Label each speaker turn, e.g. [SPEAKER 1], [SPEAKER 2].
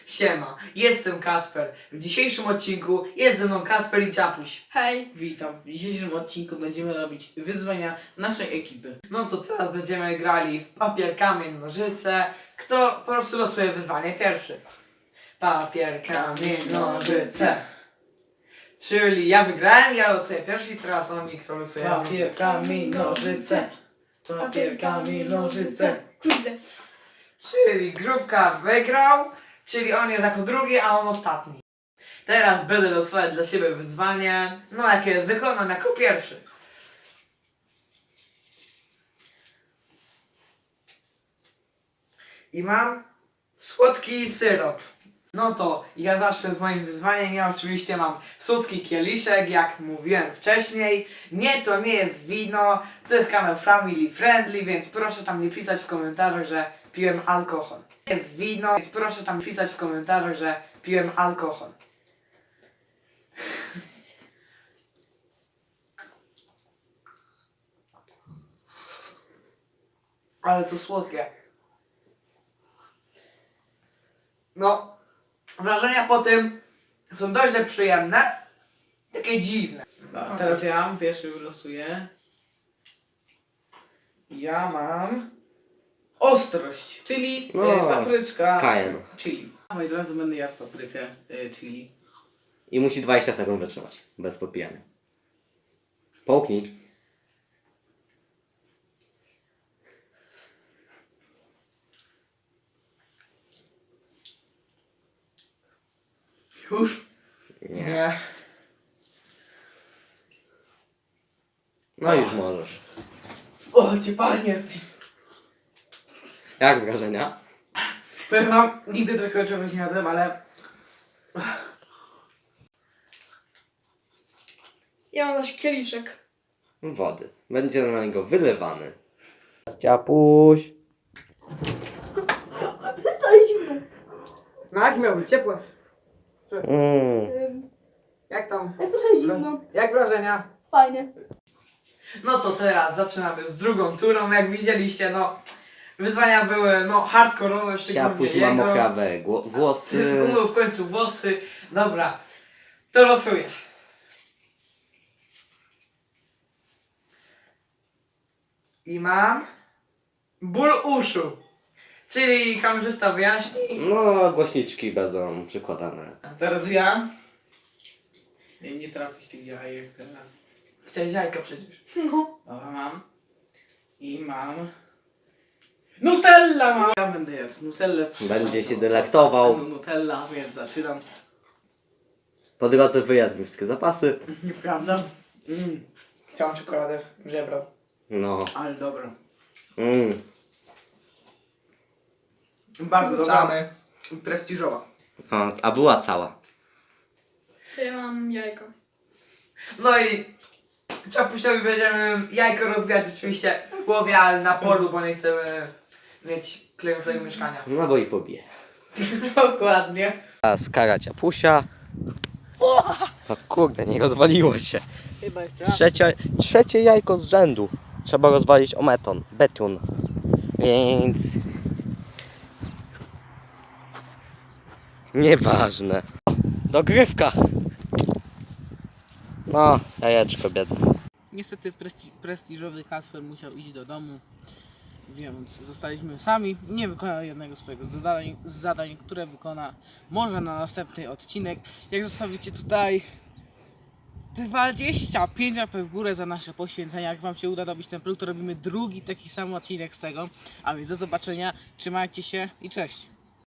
[SPEAKER 1] Siema, jestem Kacper. W dzisiejszym odcinku jest ze mną Kacper i Czapuś.
[SPEAKER 2] Hej!
[SPEAKER 3] Witam. W dzisiejszym odcinku będziemy robić wyzwania naszej ekipy.
[SPEAKER 1] No to teraz będziemy grali w papier, kamień, nożyce. Kto po prostu losuje wyzwanie pierwszy? Papier, kamień, nożyce. Czyli ja wygrałem, ja losuję pierwszy i teraz oni, kto losuje.
[SPEAKER 3] Papier, kamień, nożyce. Papier, kamień, nożyce.
[SPEAKER 2] Kurde.
[SPEAKER 1] Czyli Grupka wygrał, czyli on jest jako drugi, a on ostatni. Teraz będę losować dla siebie wyzwanie, no jakie wykonam jako pierwszy. I mam słodki syrop. No to ja zacznę z moim wyzwaniem. Ja oczywiście mam słodki kieliszek, jak mówiłem wcześniej. Nie, to nie jest wino, to jest kanał Family Friendly, więc proszę tam nie pisać w komentarzach, że piłem alkohol. To jest wino, więc proszę tam pisać w komentarzach, że piłem alkohol. Ale to słodkie. No, wrażenia po tym są dość przyjemne, takie dziwne.
[SPEAKER 3] A teraz ja pierwszy wylosuję. Ja mam ostrość, czyli papryczka
[SPEAKER 4] Cayenne.
[SPEAKER 3] chili. A od razu będę jadł paprykę chili.
[SPEAKER 4] I musi 20 sekund wytrzymać, bez podpijania. Połknij.
[SPEAKER 1] Już?
[SPEAKER 4] Nie. No już możesz.
[SPEAKER 3] O, cię panie!
[SPEAKER 4] Jak wrażenia?
[SPEAKER 3] Powiem wam, nigdy takiego czegoś nie jadłem, ale
[SPEAKER 2] Ja mam zaś kieliszek.
[SPEAKER 4] Wody. Będzie na niego wylewany. Ciapuś.
[SPEAKER 1] No jak miał być ciepłe?
[SPEAKER 4] Mm.
[SPEAKER 1] Jak tam?
[SPEAKER 2] Jest trochę zimno.
[SPEAKER 1] Jak wrażenia?
[SPEAKER 2] Fajnie.
[SPEAKER 1] No to teraz zaczynamy z drugą turą. Jak widzieliście, no wyzwania były no hardkorowe, szczególnie
[SPEAKER 4] Ciapuś ma
[SPEAKER 1] jego.
[SPEAKER 4] mokrawe włosy.
[SPEAKER 1] Umył w końcu włosy. Dobra, to losuję. I mam ból uszu. Czyli kamerzysta wyjaśni.
[SPEAKER 4] No, głośniczki będą przykładane.
[SPEAKER 3] teraz ja. Nie trafić tych jajek teraz.
[SPEAKER 1] Chciałeś jajka przecież.
[SPEAKER 2] No.
[SPEAKER 3] Dobra, mam. I mam... Nutella mam! Ja będę jadł Nutellę.
[SPEAKER 4] Będzie się delektował.
[SPEAKER 3] Nutella, więc zaczynam.
[SPEAKER 4] Po drodze wyjadł wszystkie zapasy.
[SPEAKER 3] Nieprawda?
[SPEAKER 1] Chciałem czekoladę, żebrał.
[SPEAKER 4] No.
[SPEAKER 3] Ale dobra.
[SPEAKER 4] Mm.
[SPEAKER 3] Bardzo dobra.
[SPEAKER 1] Wracamy.
[SPEAKER 3] Prestiżowa.
[SPEAKER 4] O, a była cała.
[SPEAKER 2] To ja mam jajko.
[SPEAKER 1] No i Czapusiowi będziemy jajko rozbijać oczywiście w głowie, ale na polu, bo nie chcemy mieć klejącego mieszkania.
[SPEAKER 4] No bo i pobije.
[SPEAKER 3] Dokładnie.
[SPEAKER 4] Teraz kara ciapusia. No kurde, nie rozwaliło się.
[SPEAKER 3] Chyba jeszcze
[SPEAKER 4] Trzecie jajko z rzędu. Trzeba rozwalić o beton. Więc... Nieważne. Dogrywka. No, jajeczko biedne.
[SPEAKER 3] Niestety prestiżowy Kasper musiał iść do domu, więc zostaliśmy sami. Nie wykonał jednego swojego zadań, które wykona może na następny odcinek. Jak zostawicie tutaj 25 łapek w górę za nasze poświęcenia, jak wam się uda dobić ten próg, to robimy drugi taki sam odcinek z tego. A więc do zobaczenia, trzymajcie się i cześć!